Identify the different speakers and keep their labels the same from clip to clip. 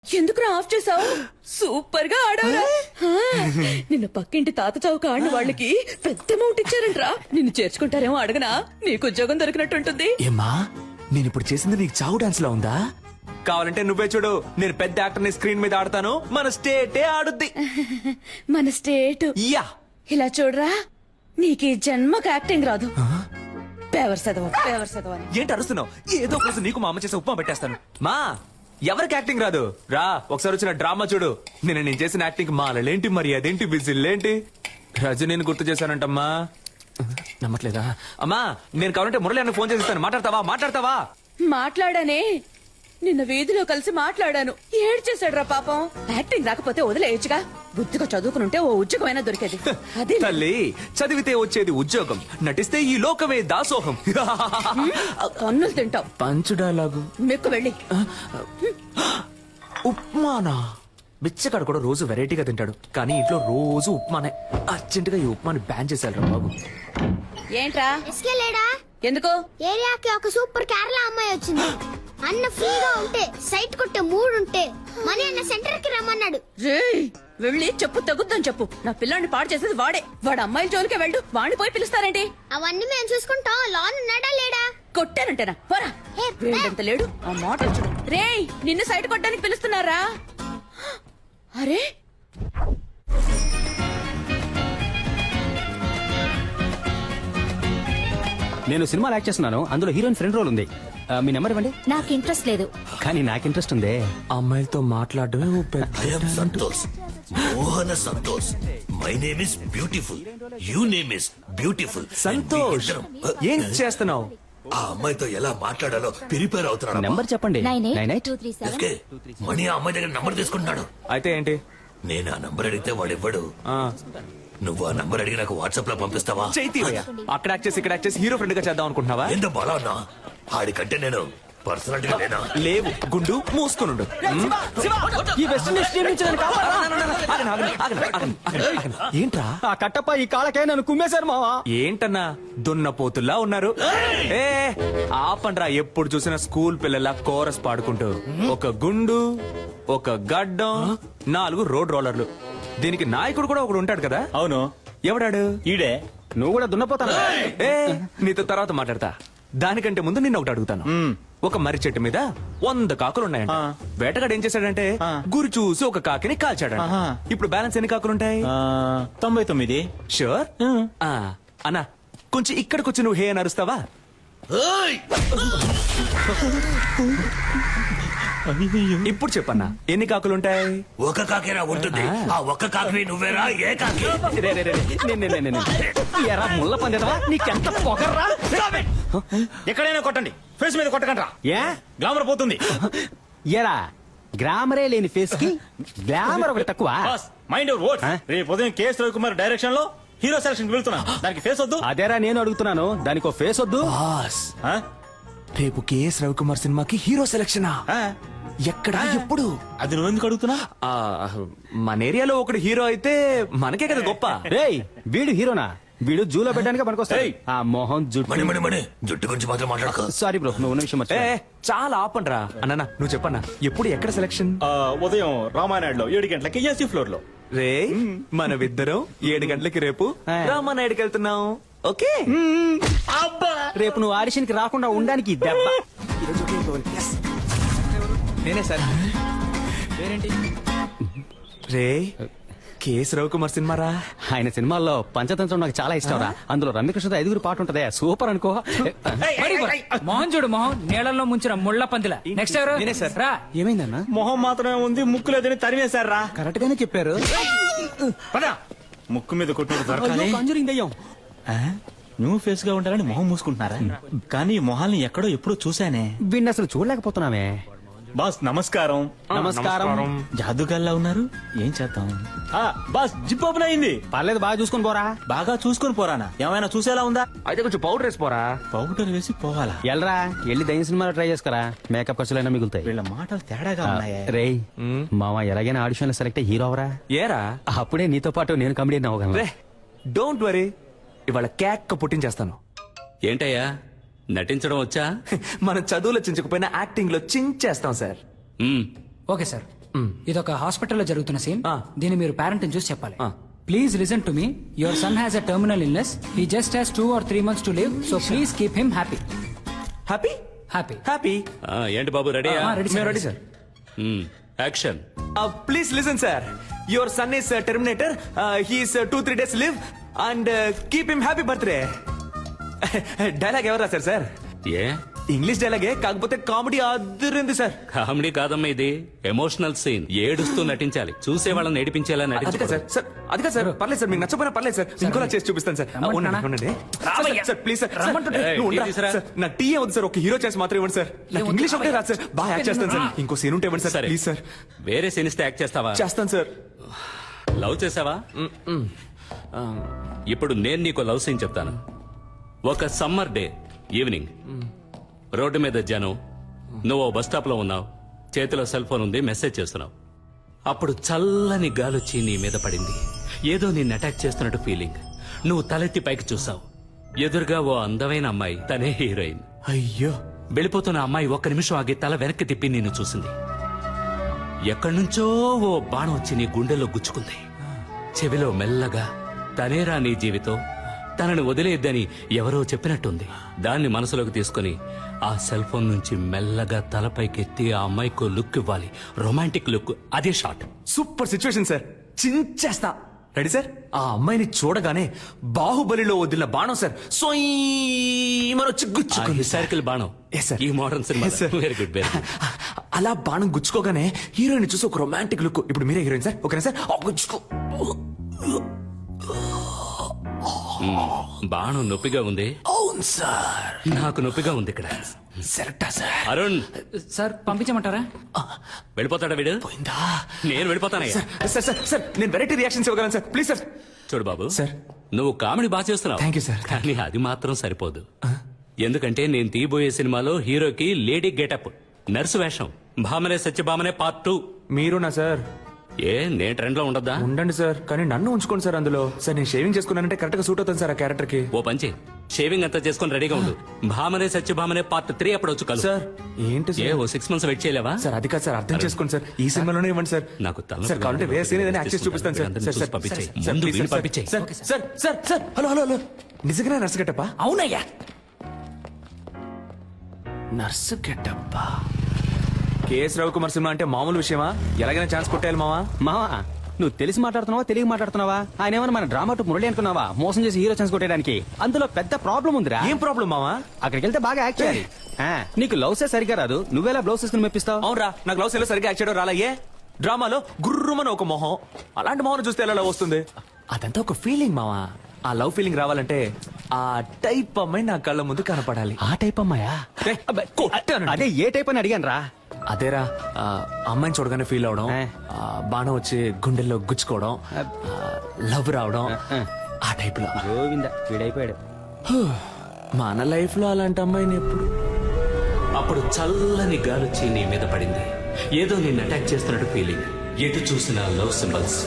Speaker 1: ఎందుకు ఆఫ్ చేసావు? సూపర్ గా ఆడావురా. నిన్న పక్కింటి తాత చౌక ఆడిన వాళ్ళకి పెద్ద అమౌంట్ ఇచ్చారంట్రా. నిన్ను చేర్చుకుంటారేమో అడగనా? నీకు ఉద్యోగం దొరికినట్టుంటుంది.
Speaker 2: ఏమ్మా నేను ఇప్పుడు చేసింది నీకు చావు డాన్స్ లా ఉందా? కావాలంటే నువ్వే చూడు, నేను పెద్ద యాక్టర్ ని స్క్రీన్ మీద ఆడతాను, మన స్టేటే ఆడుద్ది.
Speaker 1: మన స్టేట్
Speaker 2: యా
Speaker 1: ఇలా చూడరా, నీకు ఈ జన్మకు యాక్టింగ్ రాదు. పేవర్ చదవ
Speaker 2: ఏంటి అరుస్తున్నావు? ఏదో ఒక రోజు నీకు మా అమ్మ చేసే ఉప్మా పెట్టేస్తాను. మా ఎవరికి యాక్టింగ్ రాదు రా, ఒకసారి వచ్చిన డ్రామా చూడు. నేను చేసిన యాక్టింగ్ మాలలేంటి, మరి అదేంటి, విజిల్లేంటి, రజనీని గుర్తు చేశానంటమ్మా. నమ్మట్లేదా? అమ్మా నేను కావాలంటే మురళి అన్న ఫోన్ చేసిస్తాను, మాట్లాడతావా?
Speaker 1: మాట్లాడానే, నిన్న వీధిలో కలిసి మాట్లాడాను. ఏడ్చేశాడురా పాపం. యాక్టింగ్ రాకపోతే వదిలేయచ్చుగా, బుద్ధిగా చదువుకునుంటే ఓ ఉద్యోగమైనా దొరికేది. అది
Speaker 2: తల్లి, చదివితే వచ్చేది ఉద్యోగం, నటిస్తే ఈ లోకమే దాసోహం.
Speaker 1: కన్నులు తింటావు.
Speaker 2: పంచు డైలాగు.
Speaker 1: మెక్కు వెళ్ళి.
Speaker 2: ఉప్మానా? బిచ్చగాడు కూడా రోజు వెరైటీగా తింటాడు, కానీ ఇంట్లో రోజు ఉప్మానే. అర్జెంట్ గా ఈ ఉప్మాని బ్యాన్ చేశారు బాబు.
Speaker 1: ఏంట్రా?
Speaker 3: లేడా?
Speaker 1: ఎందుకు?
Speaker 3: ఏరియాకి ఒక సూపర్ కేరళ అమ్మాయి వచ్చింది. అన్న ఫ్రీగా ఉంటే, సైట్ కొట్టే మూడు ఉంటే మనీ అన్న సెంటర్ కి రమ్మన్నాడు.
Speaker 1: రేయ్, వెళ్ళి చెప్పు, తగ్గుద్దని చెప్పు. నా పిల్లాన్ని పాడు చేసేది వాడే. వాడు అమ్మాయిల జోలికే వెళ్ళు. వాడిని పోయి పిలుస్తారేంటి?
Speaker 3: అవన్నీ మేము చూసుకుంటాం. లోన్ ఉన్నాడా లేడా?
Speaker 1: కొట్టానంటేనా? పోరా. వీడంత లేడు, ఆ మాట చూడు. రేయ్, నిన్ను సైట్ కొట్టడానికి పిలుస్తున్నారా? అరే
Speaker 4: నేను సినిమాలో యాక్ట్ చేస్తున్నాను, అందులో హీరోయిన్ ఫ్రెండ్ రోల్ ఉంది. మీ నెంబర్ ఇవ్వండి.
Speaker 3: నాకు ఇంట్రెస్ట్ లేదు.
Speaker 4: కానీ నాకు ఇంట్రెస్ట్ ఉంది.
Speaker 2: అమ్మాయిలతో మాట్లాడడమే ఓ పెద్ద.
Speaker 5: I am Santosh. Mohana Santosh. My name is beautiful. You name is beautiful.
Speaker 2: Santosh, ఏం చేస్తున్నావు?
Speaker 5: ఆ అమ్మాయితో ఎలా మాట్లాడాలో ప్రిపేర్ అవుతున్నాడు.
Speaker 4: నెంబర్ చెప్పండి.
Speaker 3: 982337.
Speaker 5: ఎస్కే, మణి ఆ అమ్మాయి దగ్గర నంబర్ తీసుకుంటున్నాడు.
Speaker 2: అయితే ఏంటి?
Speaker 5: నేను ఆ నంబర్ అడిగితే వాడు ఇవ్వడు.
Speaker 2: ఆ,
Speaker 5: నువ్వు ఆ నంబర్ అడిగి నాకు వాట్సాప్ లో పంపిస్తావా?
Speaker 2: చైతీవయ్య, అక్కడ యాక్ట్ చేసి ఇక్కడ యాక్ట్ చేసి హీరో ఫ్రెండ్ గా చేద్దాం అనుకుంటున్నావా?
Speaker 5: ఎంత బలా అన్నా ఆడికంటే నేను పర్సనాలిటీగా లేనా?
Speaker 2: లేవు, గుండు మూసుకునుండు.
Speaker 4: ఈ వెస్ట్ ఇండీస్ టీం నుంచి నన్ను కాపాడరా.
Speaker 2: ఏంట్రా?
Speaker 4: ఆ కట్టప్ప ఈ కాలకే నన్ను కుమ్మేశారు మావా.
Speaker 2: ఏంటన్నా దున్నపోతుల్లా ఉన్నారు? ఏ ఆపండ్రా, ఎప్పుడు చూసినా స్కూల్ పిల్లల కోరస్ పాడుకుంటూ. ఒక గుండు, ఒక గడ్డం, 4 రోడ్ రోలర్లు. దీనికి నాయకుడు కూడా ఒకడు ఉంటాడు కదా?
Speaker 4: అవును.
Speaker 2: ఎవడాడు?
Speaker 4: ఈడే. నువ్వు కూడా దున్నపోతాను.
Speaker 2: ఏ నీతో తర్వాత మాట్లాడతా. దానికంటే ముందు నిన్న ఒకటి అడుగుతాను. ఒక మర్రి చెట్టు మీద 100 కాకులున్నాయంట. వేటగాడు ఏం చేశాడంటే గురి చూసి ఒక కాకిని కాల్చాడంట. ఇప్పుడు బ్యాలెన్స్ ఎన్ని కాకులుంటాయి?
Speaker 4: 99.
Speaker 2: షూర్? అన్నా కొంచెం ఇక్కడికొచ్చి నువ్వు హే అని అరుస్తావా?
Speaker 5: ఏయ్!
Speaker 2: ఇప్పుడు చెప్పన్నా, ఎన్ని కాకులుంటాయి?
Speaker 5: ఒక కాకేరా ఉంటుంది. ఆ ఒక్క కాకి నువ్వేరా? ఏ కాకి?
Speaker 4: ఎరా ముళ్ళ పందేదవా, నీకెంత పొగర్రా? ఎక్కడైనా కొట్టండి, ఫేస్ మీద కొట్టకండి. ఏ గ్లామర్ పోతుంది. ఎరా గ్లామరే లేని ఫేస్ కి గ్లామర్ ఒకటి తక్కువ.
Speaker 6: Mind your words. రేపు ఉదయం కేఎస్ రవికుమార్ డైరెక్షన్ లో హీరో సెలక్షన్ కి వెళ్తున్నా. దానికి ఫేస్ వద్దు.
Speaker 4: అదేరా నేను అడుగుతున్నాను, దానికి ఓ ఫేస్ వద్దు.
Speaker 2: బాస్, రేపు కేఎస్ రవికుమార్ సినిమాకి హీరో సెలక్షనా? ఎక్కడ, ఎప్పుడు?
Speaker 6: అది నువ్వు ఎందుకు అడుగుతున్నా?
Speaker 2: మన ఏరియాలో ఒకడు హీరో అయితే మనకే కదా గొప్ప.
Speaker 4: రేయ్ వీడు హీరోనా? వీడు జూలో పెట్టడానికి పనికొస్తాయి. ఆ మోహన్
Speaker 5: మణి మణి మణి జుట్టు గురించి మాత్రం మాట్లాడక.
Speaker 4: సారీ బ్రో, నువ్వు ఉన్న విషయం
Speaker 2: ఏ
Speaker 4: మర్చిపోయా.
Speaker 2: చాలా ఆపండ్రా. అన్న నువ్వు చెప్పన్నా, ఎప్పుడు ఎక్కడ సెలక్షన్?
Speaker 6: ఉదయం రామానాయుడులో 7 గంటలకి ఏసీ ఫ్లోర్ లో.
Speaker 2: రే మనమిద్దరం 7 గంటలకి రేపు రామానాయుడికి వెళ్తున్నాం. ఓకే?
Speaker 4: రేపు నువ్వు ఆడిషన్ కి రాకుండా ఉండడానికి ఈ దెబ్బ.
Speaker 2: నేనే సార్. రే కేఎస్ రవికుమార్ సినిమారా?
Speaker 4: ఆయన సినిమాల్లో పంచతంత్రం నాకు చాలా ఇష్టం రా. అందులో రమ్యకృష్ణతో 5 పాట ఉంటదే, సూపర్ అనుకో.
Speaker 7: మోహన్ చూడు, మోహన్ నీళ్ళల్లో ముంచిన ముళ్ళ పందిల. నెక్స్ట్ ఎవరు?
Speaker 2: నేనే సార్.
Speaker 7: రా.
Speaker 4: ఏమైందన్నా?
Speaker 6: మొహం మాత్రమే ఉంది, ముక్కు లేదని తరిమేశారా?
Speaker 4: కరెక్ట్ గానే చెప్పారు.
Speaker 6: పదా ముక్కు మీద కొట్టినట్టు దొరకాలి.
Speaker 4: కాంజరింగ్ దయ్యం.
Speaker 6: న్యూ ఫేస్ గా ఉంటారని మొహం మూసుకుంటున్నారా? కానీ ఈ మొహాల్ని ఎక్కడో ఎప్పుడో చూసానే.
Speaker 4: వీడిని అసలు చూడలేకపోతున్నామే.
Speaker 6: బాస్ నమస్కారం.
Speaker 4: నమస్కారం.
Speaker 6: జాదుగాల్లా ఉన్నారు, ఏం చేద్దాం? బాస్ జిప్ ఓపెన్ అయింది.
Speaker 4: పర్లేదు, బాగా చూసుకొని పోరా.
Speaker 6: బాగా చూసుకొని పోరానా? ఏమైనా చూసేలా ఉందా?
Speaker 2: అయితే కొంచెం పౌడర్ వేసిపోరా.
Speaker 6: పౌడర్ వేసి పోవాలా?
Speaker 4: ఎల్రా వెళ్ళి దయ్యం సినిమాలో ట్రై చేసుకురా, మేకప్ ఖర్చులైనా మిగులుతాయి.
Speaker 6: వీళ్ళ మాటలు తేడాగా ఉన్నాయే.
Speaker 4: రేయ్ మామ, ఎలాగైనా ఆడిషన్ లో సెలెక్ట్ హీరో అవరా.
Speaker 2: ఏరా
Speaker 4: అప్పుడే నీతో పాటు నేను కమెడియన్ అవ్వగలను.
Speaker 2: రే డోంట్ వరీ, ఇవాళ కేక్ పుట్టించేస్తాను.
Speaker 8: ఏంటయ్యా నటించడం వచ్చా?
Speaker 2: మనం చదువులో చించకపోయినా యాక్టింగ్ లో చించేస్తాం సార్.
Speaker 7: Okay sir. ఇదొక హాస్పిటల్లో జరుగుతున్న సీన్.
Speaker 2: ఆ.
Speaker 7: దీన్ని మీరు పేరెంట్ చూసి చెప్పాలి.
Speaker 2: ఆ.
Speaker 7: Please listen to me. Your son has a terminal illness. He just has 2 or 3 months to live. So please keep him happy.
Speaker 2: Happy
Speaker 7: happy.
Speaker 2: Happy
Speaker 8: ఏంటి బాబు రెడీ
Speaker 2: మేము ready sir.
Speaker 8: Action.
Speaker 2: Please listen sir. Your son is terminator. He's 2-3 days live and keep him happy birthday. Dialogue ఎవరు రాశారు sir?
Speaker 8: ఏ
Speaker 2: English డైలాగే, కాకపోతే comedy అదిరింది sir.
Speaker 8: Comedy కాదమ్మా ఇది, emotional scene. ఏడుస్తూ నటించాలి, చూసే వాళ్ళని ఏడిపించేలా
Speaker 2: అది కాదు
Speaker 8: నటించాలి.
Speaker 2: సార్. సార్ అది కాదు సార్. పర్లేదు సార్, మీకు నచ్చపోయినా పర్లేదు సార్. ఇంకోలా చేసి చూపిస్తాను సార్.
Speaker 7: రమ్మంటున్నానా?
Speaker 2: ఉండండి.
Speaker 7: రావయ్యా.
Speaker 2: Sir please sir.
Speaker 7: రమ్మంటుంటే.
Speaker 2: నువ్వు ఉండరా?
Speaker 8: టీ తీసురా.
Speaker 2: సార్, నా టీ వద్దు సార్, ఒక హీరో చేసి మాత్రం ఇవ్వండి సార్. నాకు ఇంగ్లీష్ ఒకటే రాదు సార్, బాగా యాక్ట్ చేస్తాను సార్. ఇంకో సీన్ ఉంటే ఇవ్వండి సార్
Speaker 8: సరే.
Speaker 2: Please sir.
Speaker 8: వేరే సీన్ ఇస్తే యాక్ట్ చేస్తావా?
Speaker 2: చేస్తాను సార్.
Speaker 8: లవ్ చేసావా? ఇప్పుడు నేను నీకు లవ్ సీన్ చెప్తాను. ఒక సమ్మర్ డే ఈవినింగ్, రోడ్డు మీద జనం, నువ్వు బస్ స్టాప్ లో ఉన్నావు, చేతిలో సెల్ ఫోన్ ఉంది, మెసేజ్ చేస్తున్నావు. అప్పుడు చల్లని గాలొచ్చి నీ మీద పడింది. ఏదో నిన్ను అటాక్ చేస్తున్నట్టు ఫీలింగ్. నువ్వు తలెత్తి పైకి చూసావు. ఎదురుగా ఓ అందమైన అమ్మాయి, తనే హీరోయిన్.
Speaker 2: అయ్యో,
Speaker 8: వెళ్ళిపోతున్న అమ్మాయి ఒక్క నిమిషం ఆగి తల వెనక్కి తిప్పి నిన్ను చూసింది. ఎక్కడి నుంచో ఓ బాణం వచ్చి నీ గుండెల్లో గుచ్చుకుంది. చెవిలో మెల్లగా, తనేరా నీ జీవితం, తనని వదిలేద్దని ఎవరో చెప్పినట్టుంది. దాన్ని మనసులోకి తీసుకుని ఆ సెల్ ఫోన్ నుంచి మెల్లగా తలపైకెత్తి ఆ అమ్మాయికి లుక్ ఇవ్వాలి. Romantic look. అదే షాట్.
Speaker 2: Super situation sir. చించేస్తా. Ready sir? ఆ అమ్మాయిని చూడగానే బాహుబలిలో వదిలిన బాణం సార్ వచ్చి గుచ్చుకుంది.
Speaker 8: హిస్టారికల్ బాణం.
Speaker 2: Yes, sir.
Speaker 8: ఈ మోడర్న్ సినిమా.
Speaker 2: Yes, sir.
Speaker 8: Very good, very good.
Speaker 2: అలా బాణం గుచ్చుకోగానే హీరోయిన్ చూసి ఒక రొమాంటిక్ లుక్. ఇప్పుడు మీరే హీరోయిన్ సార్, ఓకేనా సార్? గుచ్చుకో.
Speaker 8: బాణం నొప్పిగా ఉంది.
Speaker 2: అవును సార్,
Speaker 8: నాకు నొప్పిగా ఉంది ఇక్కడ.
Speaker 2: సెరక్టా సార్.
Speaker 8: అరుణ్,
Speaker 7: సార్ పంపించమంటారా?
Speaker 8: వెళ్ళిపోతాడా వీడు?
Speaker 2: పోయిందా?
Speaker 8: నేను వెళ్ళిపోతానయ్యా.
Speaker 2: సార్ సార్ సార్, నేను వెరైటీ రియాక్షన్స్ ఇవ్వగలను సార్, ప్లీజ్ సార్.
Speaker 8: చూడు బాబు,
Speaker 2: సార్.
Speaker 8: నువ్వు కామెడీ బాగా చేస్తున్నావు.
Speaker 2: Thank you, sir.
Speaker 8: కానీ అది మాత్రం సరిపోదు. ఎందుకంటే నేను తీయబోయే సినిమాలో హీరోకి లేడీ గెటప్, నర్సు వేషం, భామనే సత్యభామనే పార్ట్ 2.
Speaker 2: మీరునా సార్?
Speaker 8: ఏ నేను ట్రెండ్ లో ఉండద్దా?
Speaker 2: ఉండండి సార్, కానీ నన్ను ఉంచుకోండి సార్ అందులో. సార్ నేను షేవింగ్ చేసుకున్నానంటే కరెక్ట్ గా సూట్ అవుతుంది సార్ ఆ క్యారెక్టర్ కి.
Speaker 8: ఓ పంచి, షేవింగ్ అంతా చేసుకుని రెడీగా ఉండు. భామనే సత్యభామనే పార్ట్ 3 అప్పుడు వచ్చి కలు.
Speaker 2: సార్ ఏంటి
Speaker 8: ఏ
Speaker 2: సార్?
Speaker 8: ఓ 6 months వెయిట్ చేయలేవా?
Speaker 2: సార్ అది కాదు సార్, అర్థం చేసుకోండి సార్. ఈ సినిమాలోనే ఇవ్వండి సార్.
Speaker 8: నాకు తలనొప్పి
Speaker 2: సార్ కావాలంటే వేరే సీన్ ఏదైనా యాక్ట్ చేసి చూపిస్తాను సార్.
Speaker 8: అందరిని
Speaker 2: సార్
Speaker 8: చూసి
Speaker 2: సార్
Speaker 8: పంపించేయ్.
Speaker 2: సార్,
Speaker 8: ముందు
Speaker 2: ప్లీజ్
Speaker 8: వీడిని
Speaker 2: సార్,
Speaker 8: పంపించేయ్.
Speaker 2: Sir sir sir sir, hello hello hello, నిజంగానే నర్సు గెటప్పా?
Speaker 7: అవునయ్యా.
Speaker 2: నర్సు గెటప్పా? కేఎస్ రవికుమార్ సినిమా అంటే మామూలు విషయమా? ఎలాగైనా ఛాన్స్ కొట్టేయాలి మావా.
Speaker 4: మావా, నువ్వు తెలిసి మాట్లాడుతున్నావా తెలియ మాట్లాడుతున్నావా? ఆయన ఏమన్నా మన డ్రామా టు మురళి అనుకున్నావా? మోసం చేసి హీరో ఛాన్స్ కొట్టేయడానికి. అందులో పెద్ద ప్రాబ్లం ఉందిరా.
Speaker 2: ఏం ప్రాబ్లం మావా?
Speaker 4: అక్కడికి వెళ్తే బాగా యాక్ట్ చేయాలి. నీకు లవ్సే సరిగా రాదు, నువ్వేలా బ్లౌజ్ వేసుకుని మెప్పిస్తావు?
Speaker 2: అవునరా, నాకు లవ్ సీన్ లో సరిగ్గా యాక్ట్ చేయడం రాలయ్యే. డ్రామాలో గుర్రుమని ఒక మొహం, అలాంటి మొహం చూస్తే ఎలా లవ్ వస్తుంది? అదంతా ఒక ఫీలింగ్ మావా. ఆ లవ్ ఫీలింగ్ రావాలంటే ఆ టైప్ అమ్మాయి నా కళ్ళ ముందు కనపడాలి.
Speaker 4: ఆ టైప్ అమ్మాయా?
Speaker 2: ఏయ్, అబ్బే, కొట్టానండి.
Speaker 4: అదే ఏ టైప్ అని అడిగాను రా.
Speaker 2: అదేరా, అమ్మాయిని చూడగానే ఫీల్ అవడం, బాణం వచ్చి గుండెల్లో గుచ్చుకోవడం, లవ్ రావడం, ఆ టైప్ లో.
Speaker 4: గోవింద వీడైపోయాడు.
Speaker 2: మన లైఫ్ లో అలాంటి అమ్మాయిని ఎప్పుడు.
Speaker 8: అప్పుడు చల్లని గాలొచ్చి నీ మీద పడింది. ఏదో నిన్ను అటాక్ చేస్తున్నట్టు ఫీలింగ్. ఎటు చూసిన లవ్ సింబల్స్.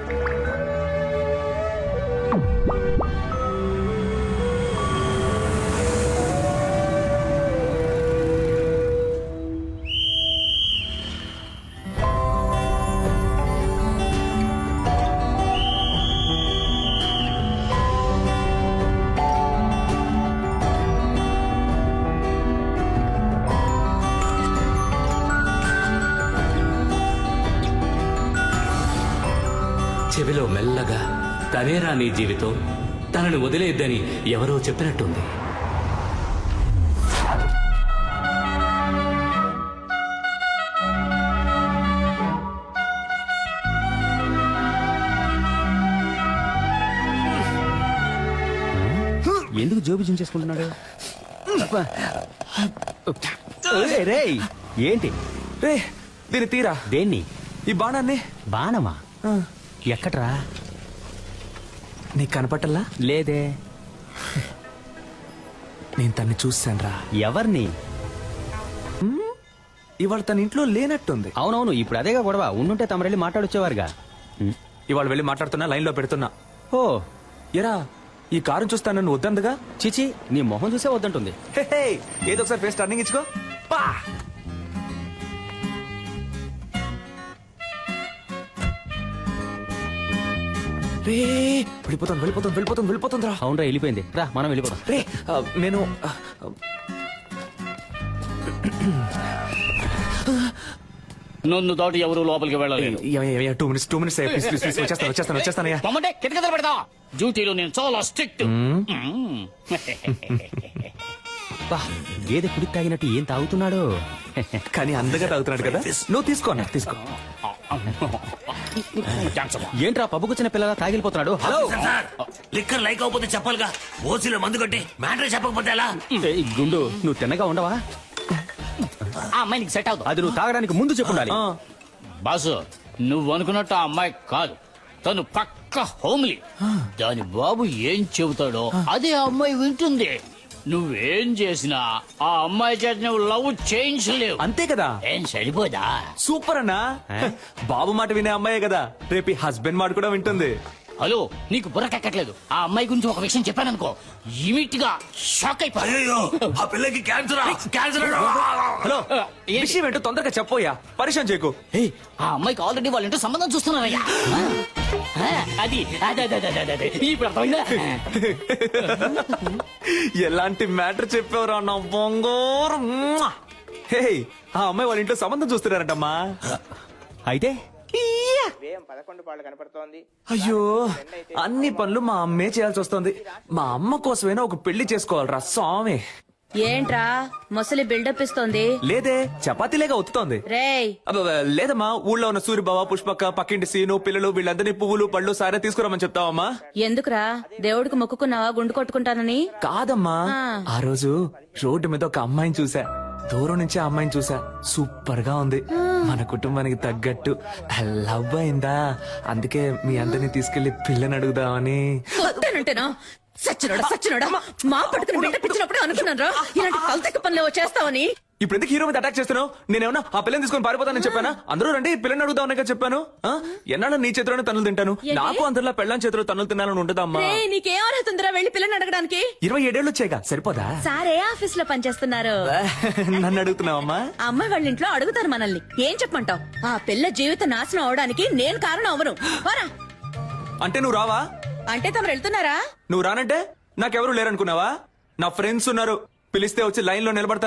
Speaker 8: చెవిలో మెల్లగా, తనేరా నీ జీవితం, తనని వదిలేద్దని ఎవరో చెప్పినట్టుంది.
Speaker 4: ఎందుకు జోబు జించేసుకుంటున్నాడు? రేయ్, ఏంటి?
Speaker 2: రే, దీన్ని తీరా.
Speaker 4: దేన్ని?
Speaker 2: ఈ బాణాన్ని.
Speaker 4: బాణమా? ఎక్కడ్రా?
Speaker 2: నీకు కనపట్టల్లా?
Speaker 4: లేదే.
Speaker 2: నేను తన్ని చూశాను రా.
Speaker 4: ఎవరిని?
Speaker 2: ఇవాళ తన ఇంట్లో లేనట్టుంది.
Speaker 4: అవునవును, ఇప్పుడు అదేగా గొడవ. ఉండుంటే తమరెళ్ళి మాట్లాడొచ్చేవారుగా.
Speaker 2: ఇవాళ వెళ్ళి మాట్లాడుతున్నా, లైన్ లో పెడుతున్నా.
Speaker 4: ఓ,
Speaker 2: ఎరా, ఈ కారు చూస్తా నన్ను వద్దందుగా.
Speaker 4: చిచి, నీ మొహం చూసే వద్దంటుంది.
Speaker 2: హే, హే, ఏదో ఒకసారి ఫేస్ టర్నింగ్ ఇచ్చుకో. పా. రే వెళ్ళిపోతుంది రా.
Speaker 4: అవునరా వెళ్ళిపోయింది, రా మనం వెళ్ళిపోదాం.
Speaker 2: రే నేను
Speaker 9: నన్ను దాటి ఎవరు లోపలికి వెళ్ళలేదు.
Speaker 2: 2 minutes ప్లీజ్ వచ్చేస్తానయ్యా.
Speaker 9: పొమ్మంటే కిటకిటలు పెడతా. డ్యూటీలో నేను చాలా స్ట్రిక్ట్.
Speaker 4: బా, గేదె కుడికి తాగినట్టు ఏం తాగుతున్నాడు.
Speaker 2: కానీ అందగా తాగుతున్నాడు కదా. నువ్వు తీసుకో అన్న, తీసుకో.
Speaker 4: ఏంట్రా పబ్బుకొచ్చిన పిల్లల తాగిలిపోతున్నాడు. హలో
Speaker 5: సార్ లిక్కర్ లైక్ అవ్వకపోతే చెప్పాలిగా. ఓసీలో మందు కొట్టి మ్యాటర్ చెప్పకపోతే ఎలా?
Speaker 4: ఏయ్, గుండు నువ్వు తిన్నగా ఉండవా?
Speaker 9: ఆ అమ్మాయి నీకు సెట్ అవుతుంది.
Speaker 4: అది నువ్వు తాగడానికి ముందు చెప్పుండాలి.
Speaker 9: బాసు నువ్వు అనుకున్నట్టు ఆ అమ్మాయి కాదు, తను పక్క హోమ్లీ. దాని బాబు ఏం చెబుతాడో అదే ఆ అమ్మాయి వింటుంది. నువ్వేం చేసినా ఆ అమ్మాయి చేత నువ్వు లవ్ చేయించలేవు.
Speaker 2: అంతే కదా.
Speaker 9: ఏం సరిపోదా?
Speaker 2: సూపర్ అన్నా. బాబు మాట వినే అమ్మాయే కదా, రేపు హస్బెండ్ మాట కూడా వింటుంది.
Speaker 9: హలో నీకు బుర్రకెక్కట్లేదు. ఆ అమ్మాయి గురించి ఒక విషయం చెప్పాననుకో ఇమీట్ గా షాక్ అయిపోయి.
Speaker 5: అయ్యో ఆ పిల్లకి క్యాన్సర్.
Speaker 2: హలో విషయం ఏంటో తొందరగా చెప్పోయా, పరిచయం చేయకు.
Speaker 9: ఆ అమ్మాయికి ఆల్రెడీ వాళ్ళ ఇంటో సంబంధం చూస్తున్నారయ్యా. అది అదే ఇప్పుడు అర్థమైందా?
Speaker 2: ఎలాంటి మ్యాటర్ చెప్పావురా నా బొంగోరు. హే, ఆ అమ్మాయి వాళ్ళ ఇంట్లో సంబంధం చూస్తున్నారంటమ్మా.
Speaker 4: అయితే
Speaker 2: అయ్యో, అన్ని పనులు మా అమ్మే చేయాల్సి వస్తుంది. మా అమ్మ కోసమైనా ఒక పెళ్లి చేసుకోవాలరా స్వామి.
Speaker 1: ఏంట్రా ముసలి బిల్డప్ ఇస్తోంది?
Speaker 2: లేదే, చపాతీలేగా ఒత్తుతోంది.
Speaker 1: రేయ్
Speaker 2: అబ్బబ్బ, లేదమ్మా, ఊళ్ళో ఉన్న సూరిబావ, పుష్పక్క, పక్కింటి సీను, పిల్లలు వీళ్ళందరినీ పువ్వులు పళ్ళు సారే తీసుకురామని చెప్తావమ్మా.
Speaker 1: ఎందుకురా? దేవుడికి మొక్కుకున్నావా గుండు కొట్టుకుంటానని?
Speaker 2: కాదమ్మా, ఆ రోజు రోడ్డు మీద ఒక అమ్మాయిని చూసా. దూరం నుంచి ఆ అమ్మాయిని చూసా. సూపర్ గా ఉంది. మన కుటుంబానికి తగ్గట్టు లవ్ అయిందా. అందుకే మీ అందరినీ తీసుకెళ్లి పిల్లని అడుగుదామని.
Speaker 1: వస్తానంటేనా? సచ్చినోడా మా పట్టుకుని బిల్డప్ ఇచ్చినప్పుడు అనుకున్నాను రా ఇలాంటి కల్తెక్క పనులు చేస్తావని.
Speaker 2: ఇప్పుడు ఎందుకు హీరో మీద అటాక్ చేస్తున్నావు? నేనేమన్నా ఆ పిల్లని తీసుకొని పారిపోతానని చెప్పానా? అందరూ రండి పిల్లని అడుగుదామని చెప్పాను. ఎన్నాళ్ళు నీ చేతిలోనే తన్నులు తింటాను. నాకు అందరిలో పెళ్ళాం చేతిలో తన్నులు తినాలని ఉంటుందమ్మా.
Speaker 1: నీకేం అర్హత ఉందిరా వెళ్ళి పిల్లని అడగడానికి?
Speaker 2: 27 ఏళ్ళు వచ్చాయిగా, సరిపోదా?
Speaker 1: సారే ఆఫీస్ లో పనిచేస్తున్నారు.
Speaker 2: నన్ను అడుగుతున్నావమ్మా?
Speaker 1: అమ్మాయి వాళ్ళ ఇంట్లో అడుగుతారు మనల్ని. ఏం చెప్పమంటావు? ఆ పిల్ల జీవిత నాశనం అవడానికి నేను కారణం అవను.
Speaker 2: అంటే నువ్వు రావా?
Speaker 1: అంటే తమరు వెళ్తున్నారా?
Speaker 2: నువ్వు రానంటే నాకెవరు లేరనుకున్నావా? నా ఫ్రెండ్స్ ఉన్నారు, పిలిస్తే వచ్చి లైన్ లో నిలబడతా.